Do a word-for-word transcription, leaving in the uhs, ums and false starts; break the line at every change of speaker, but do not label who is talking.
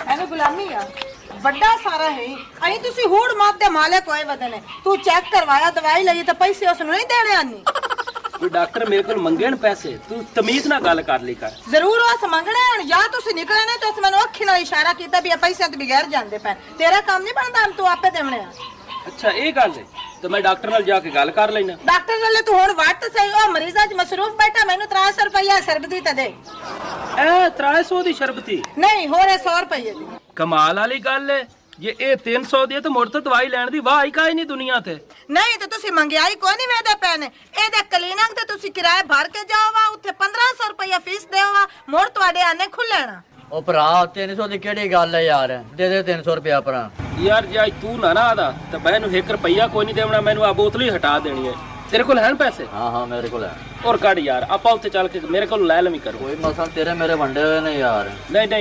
ਐਵੇਂ ਗੁਲਾਮੀ ਆ ਵੱਡਾ ਸਾਰਾ ਹੈ ਅਹੀਂ ਤੁਸੀਂ ਹੂੜ ਮਾਤ ਦੇ ਮਾਲਕ ਹੋਏ ਵਦਨੇ ਤੂੰ ਚੈੱਕ ਕਰਵਾਇਆ ਦਵਾਈ ਲਈ ਤਾਂ ਪੈਸੇ ਉਸ ਨੂੰ ਨਹੀਂ ਦੇਣੇ ਆਨੀ
ਕੋਈ ਡਾਕਟਰ ਮੇਰੇ ਕੋਲ ਮੰਗਣ ਪੈਸੇ ਤੂੰ ਤਮੀਜ਼ ਨਾਲ ਗੱਲ ਕਰ ਲਈ ਕਰ
ਜ਼ਰੂਰ ਉਸ ਮੰਗਣੇ ਹੁਣ ਜਾਂ ਤੁਸੀਂ ਨਿਕਲੇ ਨੇ ਤੁਸੀਂ ਮੈਨੂੰ ਅੱਖੀ ਨਾਲ ਇਸ਼ਾਰਾ ਕੀਤਾ ਵੀ ਇਹ ਪੈਸੇ ਤੇ ਬਗੈਰ ਜਾਂਦੇ ਪੈ ਤੇਰਾ ਕੰਮ ਨਹੀਂ ਬਣਦਾ ਤੂੰ ਆਪੇ ਦੇਵਣੇ ਆ
ਅੱਛਾ ਇਹ ਗੱਲ ਹੈ ਤੇ ਮੈਂ ਡਾਕਟਰ ਨਾਲ ਜਾ ਕੇ ਗੱਲ ਕਰ ਲੈਣਾ
ਡਾਕਟਰ ਨਾਲੇ ਤੂੰ ਹੁਣ ਵੱਟ ਸਹੀ ਉਹ ਮਰੀਜ਼ਾਂ 'ਚ ਮਸਰੂਫ ਬੈਠਾ ਮੈਨੂੰ ਤਿੰਨ ਸੌ ਰੁਪਇਆ ਸਰਬਤੀ ਤੇ ਦੇ
ਐ ਤਿੰਨ ਸੌ ਦੀ ਸ਼ਰਬਤੀ
ਨਹੀਂ ਹੋਰ ਇਹ ਸੌ ਰੁਪਏ ਦੀ
ਕਮਾਲ ਵਾਲੀ ਗੱਲ ਹੈ ਜੇ ਇਹ ਤਿੰਨ ਸੌ ਦੀ ਹੈ ਤਾਂ ਮੁੜ ਤੋਂ ਦਵਾਈ ਲੈਣ ਦੀ ਵਾਹ ਹੀ ਕਾਈ ਨਹੀਂ ਦੁਨੀਆ ਤੇ
ਨਹੀਂ ਤੇ ਤੁਸੀਂ ਮੰਗਿਆਈ ਕੋਈ ਨਹੀਂ ਵੇਦੇ ਪੈਣੇ ਇਹਦੇ ਕਲੀਨਿਕ ਤੇ ਤੁਸੀਂ ਕਿਰਾਏ ਭਰ ਕੇ ਜਾਓਵਾ ਉੱਥੇ ਪੰਦਰਾਂ ਸੌ ਰੁਪਇਆ ਫੀਸ ਦੇਵਾ ਮੋੜ ਤੁਹਾਡੇ ਆਨੇ ਖੁੱਲਣਾ
ਉਹ ਭਰਾ ਤਿੰਨ ਸੌ ਦੀ ਕਿਹੜੀ ਗੱਲ ਹੈ ਯਾਰ ਦੇ ਦੇ ਤਿੰਨ ਸੌ ਰੁਪਇਆ ਭਰਾ
ਯਾਰ ਜੇ ਅੱਜ ਤੂੰ ਨਾ ਨਾ ਆਦਾ ਤਾਂ ਮੈਂ ਇਹਨੂੰ ਇੱਕ ਰੁਪਈਆ ਕੋਈ ਨਹੀਂ ਦੇਵਣਾ ਮੈਨੂੰ ਆ ਬੋਤਲ ਹੀ ਹਟਾ ਦੇਣੀ ਹੈ ਤੇਰੇ ਕੋਲ ਹਨ ਪੈਸੇ
ਹਾਂ ਹਾਂ ਮੇਰੇ ਕੋਲ ਹੈ
ਔਰ ਕੱਢ ਯਾਰ ਆਪਾਂ ਉੱਥੇ ਚੱਲ ਕੇ ਮੇਰੇ ਕੋਲ ਲੈ ਲਵੀਂ ਕਰੋ
ਕੋਈ ਮਸਲ ਤੇਰੇ ਮੇਰੇ ਵੰਡੇ ਹੋਏ ਨੇ ਯਾਰ
ਨਹੀਂ ਨਹੀਂ